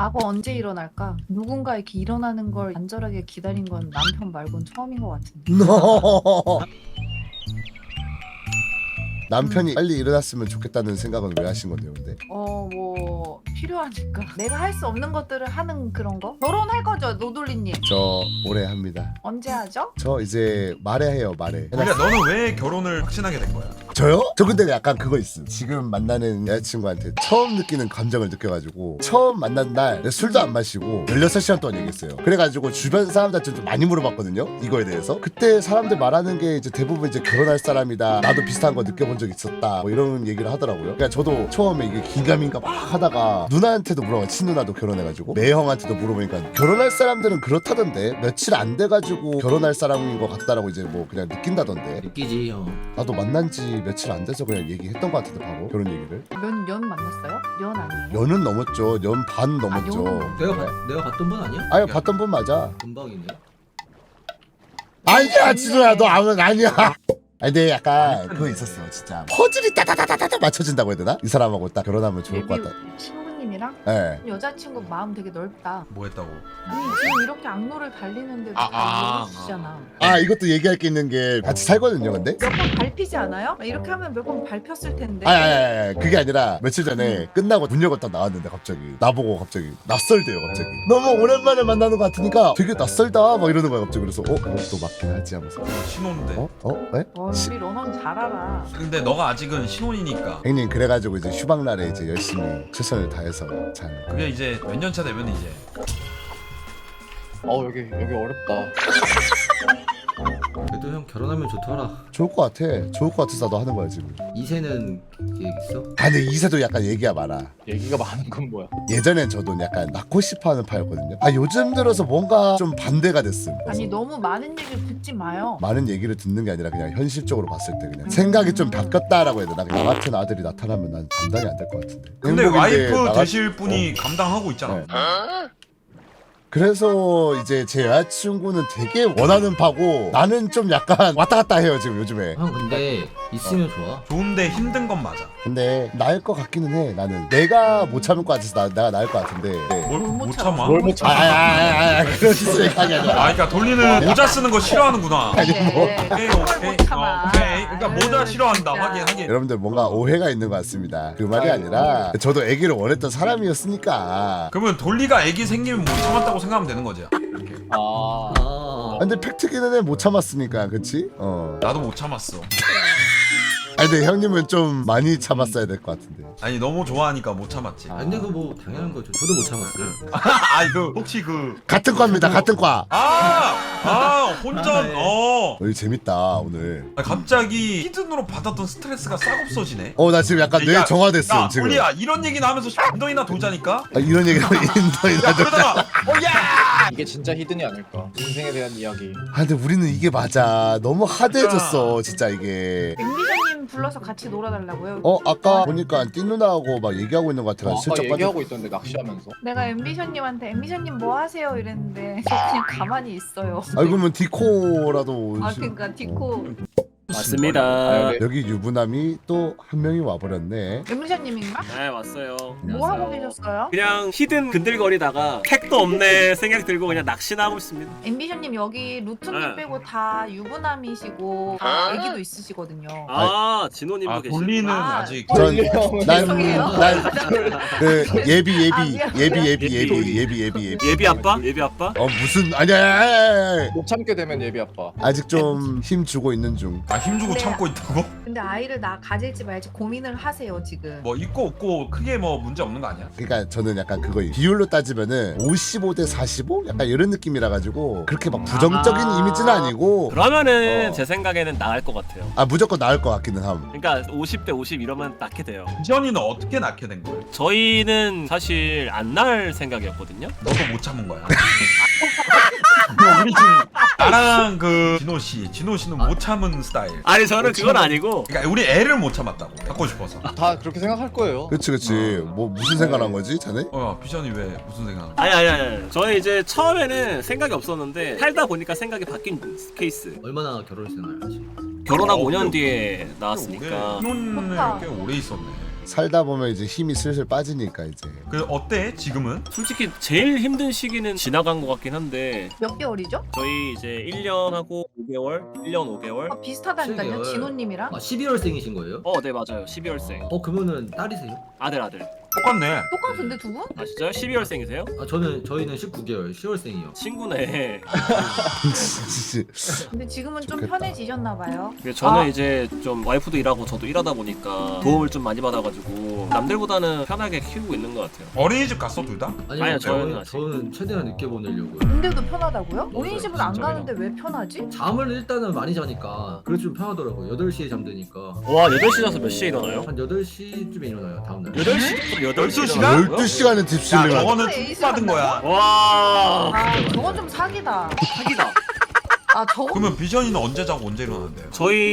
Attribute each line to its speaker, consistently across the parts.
Speaker 1: 과거 언제 일어날까? 누군가 이렇게 일어나는 걸 간절하게 기다린 건 남편 말곤 처음인 것 같은데.
Speaker 2: 남편이 빨리 일어났으면 좋겠다는 생각은 왜 하신 건데요, 근데?
Speaker 1: 뭐 필요하니까. 내가 할 수 없는 것들을 하는 그런 거? 결혼할 거죠, 노돌리님?
Speaker 2: 저 올해 합니다.
Speaker 1: 언제 하죠?
Speaker 2: 저 이제 말해요, 말해.
Speaker 3: 그러니까 너는 왜 결혼을 확신하게 된 거야?
Speaker 2: 저요? 저 근데 약간 그거 있음. 지금 만나는 여자친구한테 처음 느끼는 감정을 느껴가지고 처음 만난 날 술도 안 마시고 16시간 동안 얘기했어요. 그래가지고 주변 사람들한테 좀 많이 물어봤거든요, 이거에 대해서. 그때 사람들 말하는 게 이제 대부분 이제 결혼할 사람이다, 나도 비슷한 거 느껴본 적 있었다, 뭐 이런 얘기를 하더라고요. 그러니까 저도 처음에 이게 긴가민가 막 하다가 누나한테도 물어봐, 친누나도 결혼해가지고 매형한테도 물어보니까 결혼할 사람들은 그렇다던데, 며칠 안 돼가지고 결혼할 사람인 것 같다라고 이제 뭐 그냥 느낀다던데.
Speaker 4: 느끼지 형.
Speaker 2: 나도 만난 지 며칠 안 돼서 그냥 얘기했던 것 같은데, 바로 결혼 얘기를.
Speaker 1: 몇 년 만났어요? 년 아니에요?
Speaker 2: 년은 넘었죠. 년 반 넘었죠.
Speaker 1: 년은
Speaker 4: 내가 봤던 분 아니야?
Speaker 2: 아니 봤던 분 맞아.
Speaker 4: 금방이네.
Speaker 2: 아니야 진우야, 너 아니야. 아니 근데 약간 그거 있었어 진짜. 퍼즐이 따다다다다 맞춰진다고 해야 되나? 이 사람하고 딱 결혼하면 좋을 것 같다.
Speaker 1: 친구님이랑
Speaker 2: 예.
Speaker 1: 여자친구 마음 되게 넓다.
Speaker 3: 뭐 했다고?
Speaker 1: 아니 지금 이렇게 악로를 달리는데도 다 이해해주시잖아.
Speaker 2: 아 이것도 얘기할 게 있는 게 같이 살거든요, 근데.
Speaker 1: 몇 번 밟히지 않아요? 이렇게 하면 몇 번 밟혔을 텐데.
Speaker 2: 아니 그게 아니라 며칠 전에 끝나고 문 열고 딱 나왔는데 갑자기 나보고 갑자기 낯설대요. 갑자기 너무 오랜만에 만나는 것 같으니까 되게 낯설다 막 이러는 거야 갑자기. 그래서 그것도 맞긴 하지 하면서.
Speaker 3: 신혼인데.
Speaker 2: 네?
Speaker 1: 우리 러넌 잘 알아.
Speaker 3: 근데 너가 아직은 신혼이니까
Speaker 2: 형님 그래가지고 이제 휴방날에 이제 열심히 최선을 다해서 잘.
Speaker 3: 그게 이제 몇 년 차 되면 이제
Speaker 5: 여기 어렵다.
Speaker 4: 그래도 형 결혼하면 좋더라.
Speaker 2: 좋을 것 같아. 좋을 것 같아서 나도 하는 거야 지금.
Speaker 4: 이세는 계획 있어?
Speaker 2: 아 근데 이세도 약간 얘기가 많아.
Speaker 5: 얘기가 많은 건 뭐야?
Speaker 2: 예전엔 저도 약간 낳고 싶어하는 파였거든요. 아 요즘 들어서 뭔가 좀 반대가 됐음.
Speaker 1: 아니 너무 많은 얘기를 듣지 마요.
Speaker 2: 많은 얘기를 듣는 게 아니라 그냥 현실적으로 봤을 때 그냥 생각이 좀 바뀌었다라고 해야 되나. 나 같은 아들이 나타나면 난 감당이 안 될 것 같은데.
Speaker 3: 근데
Speaker 2: 행복인데
Speaker 3: 와이프
Speaker 2: 나가-
Speaker 3: 되실 분이 감당하고 있잖아.
Speaker 2: 네. 그래서 이제 제 여자친구는 되게 원하는 파고 나는 좀 약간 왔다 갔다 해요 지금 요즘에.
Speaker 4: 형 근데 있으면 좋아.
Speaker 3: 좋은데 힘든 건 맞아.
Speaker 2: 근데 나을 것 같기는 해. 나는 내가 못 참을 것 같아서 내가 나을 것 같은데. 네.
Speaker 3: 뭘
Speaker 1: 못
Speaker 3: 못
Speaker 1: 참아?
Speaker 3: 참아?
Speaker 5: 뭘 못 참아?
Speaker 2: 그런 생각이 아니라.
Speaker 3: 그러니까 돌리는 모자 쓰는 거 싫어하는구나.
Speaker 2: 아니, 뭐.
Speaker 3: 오케이 오케이
Speaker 1: 못 참아.
Speaker 3: 오케이. 그러니까 모자
Speaker 1: 아유,
Speaker 3: 싫어한다.
Speaker 1: 진짜.
Speaker 3: 하긴.
Speaker 2: 여러분들 뭔가 오해가 있는 것 같습니다. 그 말이 아니라 저도 아기를 원했던 사람이었으니까.
Speaker 3: 그러면 돌리가 애기 생기면 못 참았다고 생각하면 되는 거지.
Speaker 2: 근데 팩트기는 해 못 참았으니까, 그치?
Speaker 3: 나도 못 참았어.
Speaker 2: 아니 근데 형님은 좀 많이 참았어야 될 것 같은데.
Speaker 3: 아니 너무 좋아하니까 못 참았지.
Speaker 4: 근데 그거 뭐 당연한 거죠. 저도 못 참았어요.
Speaker 3: 아 이거 혹시
Speaker 2: 같은 과입니다. 같은 과.
Speaker 3: 혼전.
Speaker 2: 여기 재밌다 오늘.
Speaker 3: 갑자기 히든으로 받았던 스트레스가 싹 없어지네.
Speaker 2: 나 지금 약간 뇌 정화됐어
Speaker 3: 야,
Speaker 2: 지금.
Speaker 3: 우리야 이런 얘기나 하면서 인더이나 돌자니까.
Speaker 2: 이런 얘기를 인더이나.
Speaker 3: 그러다가 야!
Speaker 5: 이게 진짜 히든이 아닐까? 인생에 대한 이야기.
Speaker 2: 근데 우리는 이게 맞아. 너무 하드해졌어 진짜 이게.
Speaker 1: 엠비션님 불러서 같이 놀아달라고요?
Speaker 2: 아까 보니까 띠 누나하고 막 얘기하고 있는 것 같아서
Speaker 5: 아까
Speaker 2: 슬쩍
Speaker 5: 얘기하고 있던데 낚시하면서.
Speaker 1: 내가 엠비션님한테 엠비션님 뭐 하세요? 이랬는데 저 그냥 가만히 있어요.
Speaker 2: 그러면 디코라도.
Speaker 1: 그러니까 디코
Speaker 6: 맞습니다.
Speaker 5: 네.
Speaker 2: 여기 유부남이 또 한 명이 와버렸네.
Speaker 1: 엠비션님인가?
Speaker 6: 네 왔어요.
Speaker 1: 뭐 하고 계셨어요?
Speaker 6: 그냥 히든 근들거리다가 택도 없네 생각 들고 그냥 낚시나 하고 있습니다.
Speaker 1: 엠비션님 여기 루트님
Speaker 6: 네.
Speaker 1: 빼고 다 유부남이시고 다 애기도 있으시거든요.
Speaker 6: 아 진호님도 계시고.
Speaker 3: 돌리는
Speaker 1: 아,
Speaker 3: 아직
Speaker 1: 죄송해요.
Speaker 2: 난그 예비
Speaker 6: 예비 아빠? 예비 아빠?
Speaker 2: 무슨 아니야.
Speaker 5: 못 참게 되면 예비 아빠.
Speaker 2: 아직 좀 힘 주고 있는 중.
Speaker 3: 힘주고
Speaker 1: 네.
Speaker 3: 참고 있다고?
Speaker 1: 근데 아이를 나 가질지 말지 고민을 하세요 지금.
Speaker 3: 뭐 있고 없고 크게 뭐 문제 없는 거 아니야?
Speaker 2: 그러니까 저는 약간 그거 비율로 따지면은 55대 45 약간 이런 느낌이라 가지고 그렇게 막 부정적인 이미지는 아니고.
Speaker 6: 그러면은 제 생각에는 나을 것 같아요.
Speaker 2: 무조건 나을 것 같기는 함.
Speaker 6: 그러니까 50대 50 이러면 낳게 돼요.
Speaker 3: 지현이는 어떻게 낳게 된 거야?
Speaker 6: 저희는 사실 안 낳을 생각이었거든요.
Speaker 3: 너도 못 참은 거야. 우리 지금 나랑 그 진호 씨는 못 참은 스타일.
Speaker 6: 아니 저는 그건 아니고
Speaker 3: 그러니까 우리 애를 못 참았다고. 갖고 싶어서.
Speaker 5: 다 그렇게 생각할 거예요.
Speaker 2: 그치. 뭐 무슨 생각한 거지, 자네?
Speaker 3: 야 비전이 왜 무슨 생각?
Speaker 6: 아니 저는 이제 처음에는 생각이 없었는데 살다 보니까 생각이 바뀐 케이스.
Speaker 4: 얼마나 결혼 생활 하시?
Speaker 6: 결혼하고 5년 뒤에 나왔으니까
Speaker 3: 신혼을
Speaker 1: 좋다.
Speaker 3: 꽤 오래 있었네.
Speaker 2: 살다 보면 이제 힘이 슬슬 빠지니까 이제.
Speaker 3: 그 어때 지금은?
Speaker 6: 솔직히 제일 힘든 시기는 지나간 것 같긴 한데
Speaker 1: 몇 개월이죠?
Speaker 6: 저희 이제 1년하고 5개월, 1년 5개월.
Speaker 1: 아, 비슷하다니까요.
Speaker 4: 7개월.
Speaker 1: 진호님이랑.
Speaker 4: 아 12월생이신 거예요?
Speaker 6: 네 맞아요. 12월생.
Speaker 4: 그러면은 딸이세요?
Speaker 6: 아들.
Speaker 3: 똑같네.
Speaker 1: 똑같은데 두 분?
Speaker 6: 아 진짜요? 12월생이세요?
Speaker 4: 아 저희는 19개월 10월생이요.
Speaker 6: 친구네.
Speaker 1: 근데 지금은 좀
Speaker 2: 좋겠다.
Speaker 1: 편해지셨나 봐요.
Speaker 6: 근데 저는
Speaker 1: 아.
Speaker 6: 이제 좀 와이프도 일하고 저도 일하다 보니까 도움을 좀 많이 받아가지고 남들보다는 편하게 키우고 있는 것 같아요.
Speaker 3: 어린이집 갔어 둘 다?
Speaker 6: 아니요, 저는 아직.
Speaker 4: 저는 최대한 늦게 보내려고요.
Speaker 1: 근데도 편하다고요? 어린이집은 안
Speaker 6: 진짜요?
Speaker 1: 가는데 왜 편하지?
Speaker 4: 잠을 일단은 많이 자니까 그래서 좀 편하더라고요. 8시에 잠드니까
Speaker 6: 와 8시 자서 몇 시에 일어나요?
Speaker 4: 한 8시쯤에 일어나요 다음날.
Speaker 6: 8시?
Speaker 3: 12시간?
Speaker 2: 12시간은
Speaker 3: 야
Speaker 2: 딥슬링을
Speaker 3: 저거는
Speaker 1: 에이스
Speaker 3: 툭 받은 거야.
Speaker 6: 와
Speaker 1: 아 저건 좀 사기다.
Speaker 6: 사기다.
Speaker 1: 아 저건
Speaker 3: 그러면 비전이는 언제 자고 언제 일어나는데요?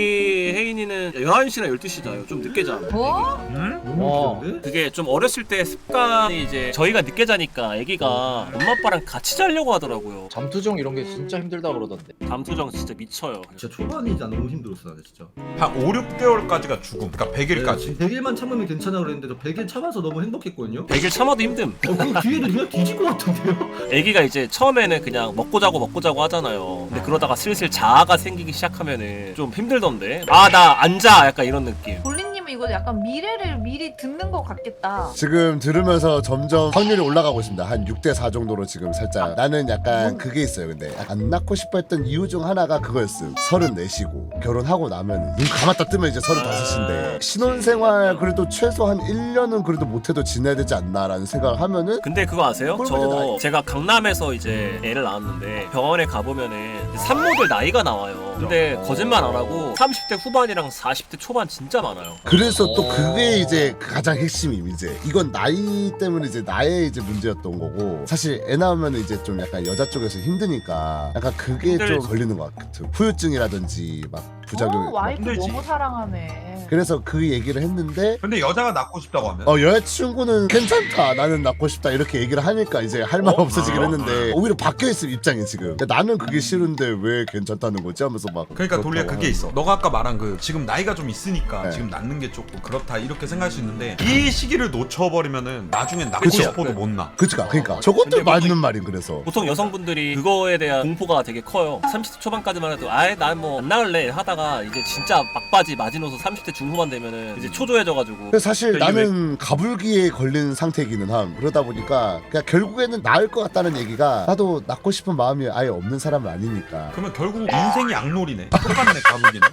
Speaker 6: 저희 혜인이는 11시나 12시 자요. 좀 늦게 자.
Speaker 1: 뭐?
Speaker 3: 응?
Speaker 4: 너무 늦은데?
Speaker 6: 그게 좀 어렸을 때 습관이 이제 저희가 늦게 자니까 애기가 엄마 아빠랑 같이 자려고 하더라고요.
Speaker 5: 잠투정 이런 게 진짜 힘들다 그러던데.
Speaker 6: 잠수정 진짜 미쳐요.
Speaker 4: 진짜 초반이 나 너무 힘들었어 나는 진짜.
Speaker 3: 한 5, 6개월까지가 죽음. 그러니까 100일까지.
Speaker 4: 100일만 참으면 괜찮아 그랬는데 저 100일 참아서 너무 행복했거든요.
Speaker 6: 100일 참아도 힘듦.
Speaker 4: 그 뒤에는 그냥 뒤질 것 같은데요?
Speaker 6: 애기가 이제 처음에는 그냥 먹고 자고 하잖아요. 근데 그러다가 슬슬 자아가 생기기 시작하면은 좀 힘들던데. 아 나 앉아 약간 이런 느낌.
Speaker 1: 볼리님은 이거 약간 미래를 미리 듣는 것 같겠다.
Speaker 2: 지금 들으면서 점점 확률이 올라가고 있습니다. 한 6대4 정도로 지금 살짝. 나는 약간 그게 있어요. 근데 안 낳고 싶어 했던 이유 중 하나가 그거였음. 34시고 결혼하고 나면 눈 감았다 뜨면 이제 35인데 신혼생활 그래도 최소 한 1년은 그래도 못해도 지내야 되지 않나라는 생각을 하면은
Speaker 6: 근데 그거 아세요?
Speaker 2: 꼴보기
Speaker 6: 저
Speaker 2: 나이.
Speaker 6: 제가 강남에서 이제 애를 낳았는데 병원에 가보면은 산모들 나이가 나와요. 근데 거짓말 안 하고 30대 후반이랑 40대 초반 진짜 많아요.
Speaker 2: 그래서 또 그게 이제 가장 핵심임 이제 이건 나이 때문에 이제 나의 이제 문제였던 거고 사실 애 낳으면 이제 좀 약간 여자 쪽에서 힘드니까 약간 그게 좀
Speaker 6: 힘들지.
Speaker 2: 걸리는 것 같아. 후유증이라든지 막 부작용.
Speaker 1: 와이프
Speaker 3: 힘들지.
Speaker 1: 너무 사랑하네.
Speaker 2: 그래서 그 얘기를 했는데
Speaker 3: 근데 여자가 낳고 싶다고 하면?
Speaker 2: 여자친구는 괜찮다 나는 낳고 싶다 이렇게 얘기를 하니까 이제 할 말 없어지긴
Speaker 3: 아.
Speaker 2: 했는데 오히려 바뀌어있음 입장이 지금 나는 그게 싫은데 왜 괜찮다는 거지 하면서 막
Speaker 3: 그러니까 돌리야
Speaker 2: 그렇다고
Speaker 3: 그게
Speaker 2: 하는
Speaker 3: 있어. 너가 아까 말한 그 지금 나이가 좀 있으니까
Speaker 2: 네.
Speaker 3: 지금 낳는 게 조금 그렇다 이렇게 생각할 수 있는데 이 시기를 놓쳐버리면은 나중엔 낳고
Speaker 2: 그쵸.
Speaker 3: 싶어도 못 낳아.
Speaker 2: 그치가 그러니까 저것도
Speaker 6: 근데 뭐
Speaker 2: 맞는 말임 그래서
Speaker 6: 보통 여성분들이 그거에 대한 공포가 되게 커요. 30대 초반까지만 해도 아예 난 뭐 안 나을래 하다가 이제 진짜 막바지 마지노선 30대 중후반 되면은 이제 초조해져가지고.
Speaker 2: 근데 사실
Speaker 3: 이게
Speaker 2: 나는 가불기에 걸린 상태이기는 함. 그러다 보니까 그냥 결국에는 나을 것 같다는 얘기가 나도 낳고 싶은 마음이 아예 없는 사람은 아니니까.
Speaker 3: 그러면 결국 인생이 악놀이네. 똑같네 가보기는.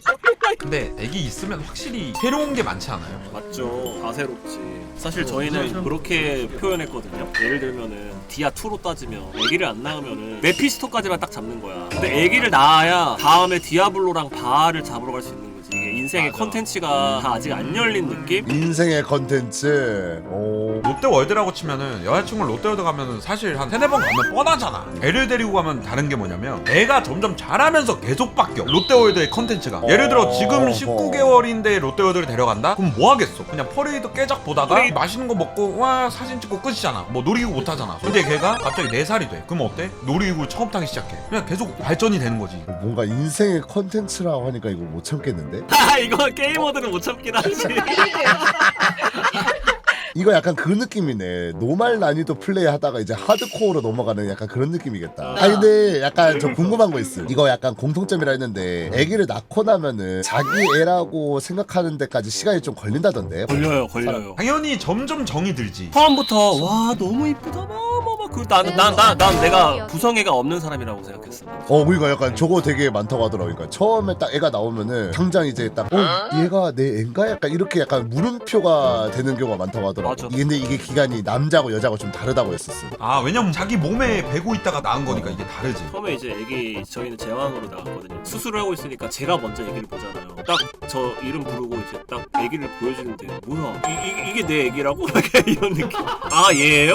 Speaker 3: 근데 애기 있으면 확실히 새로운 게 많지 않아요?
Speaker 6: 맞죠. 다 새롭지. 사실 저희는 그렇게 표현했거든요. 예를 들면은 디아2로 따지면 애기를 안 낳으면은 메피스토까지만 딱 잡는 거야. 근데 애기를 낳아야 다음에 디아블로랑 바알을 잡으러 갈 수 있는 거지. 이게 인생의
Speaker 3: 맞아.
Speaker 6: 컨텐츠가 다 아직 안 열린 느낌?
Speaker 2: 인생의 컨텐츠. 오.
Speaker 3: 롯데월드라고 치면은 여자친구를 롯데월드 가면은 사실 한 3-4번 가면 뻔하잖아. 애를 데리고 가면 다른 게 뭐냐면 애가 점점 자라면서 계속 바뀌어. 롯데월드의 컨텐츠가. 예를 들어 지금 19개월인데 롯데월드를 데려간다? 그럼 뭐 하겠어? 그냥 퍼레이드 깨작 보다가 맛있는 거 먹고 와 사진 찍고 끝이잖아. 뭐 놀이기구 못 타잖아. 근데 걔가 갑자기 4살이 돼. 그럼 어때? 놀이기구 처음 타기 시작해. 그냥 계속 발전이 되는 거지.
Speaker 2: 뭔가 인생의 컨텐츠라고 하니까 이거 못 참겠는데?
Speaker 6: 아 이거 게이머들은 못 참긴 하지.
Speaker 2: 이거 약간 그 느낌이네. 노말 난이도 플레이 하다가 이제 하드코어로 넘어가는 약간 그런 느낌이겠다. 아니 근데 약간 저 궁금한 거 있어. 이거 약간 공통점이라 했는데 애기를 낳고 나면은 자기 애라고 생각하는 데까지 시간이 좀 걸린다던데.
Speaker 6: 걸려요.
Speaker 3: 당연히 점점 정이 들지.
Speaker 6: 처음부터 와 너무 이쁘다 그 난 내가 구성애가 없는 사람이라고 생각했어.
Speaker 2: 그러니까 약간 저거 되게 많다고 하더라고. 그러니까 처음에 딱 애가 나오면은 당장 이제 딱 얘가 내 애인가? 약간 이렇게 약간 물음표가 되는 경우가 많다고 하더라고.
Speaker 6: 맞아.
Speaker 2: 근데 이게 기간이 남자고 여자고 좀 다르다고 했었어.
Speaker 3: 아 왜냐면 자기 몸에 배고 있다가 낳은 거니까 이게 다르지.
Speaker 6: 처음에 이제 애기 저희는 제왕으로 나갔거든요. 수술을 하고 있으니까 제가 먼저 애기를 보잖아요. 딱 저 이름 부르고 이제 딱 애기를 보여주는데 뭐야 이게 내 애기라고? 이런 느낌. 아 얘예요?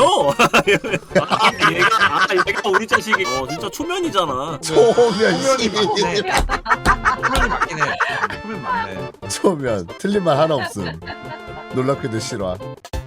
Speaker 6: 얘가 우리 자식이 진짜 초면이잖아.
Speaker 2: 초면
Speaker 3: 표면이 맞네. 표면이 맞긴 해. 표면 맞네.
Speaker 2: 초면 틀린 말 하나 없음. 놀랍게도 싫어.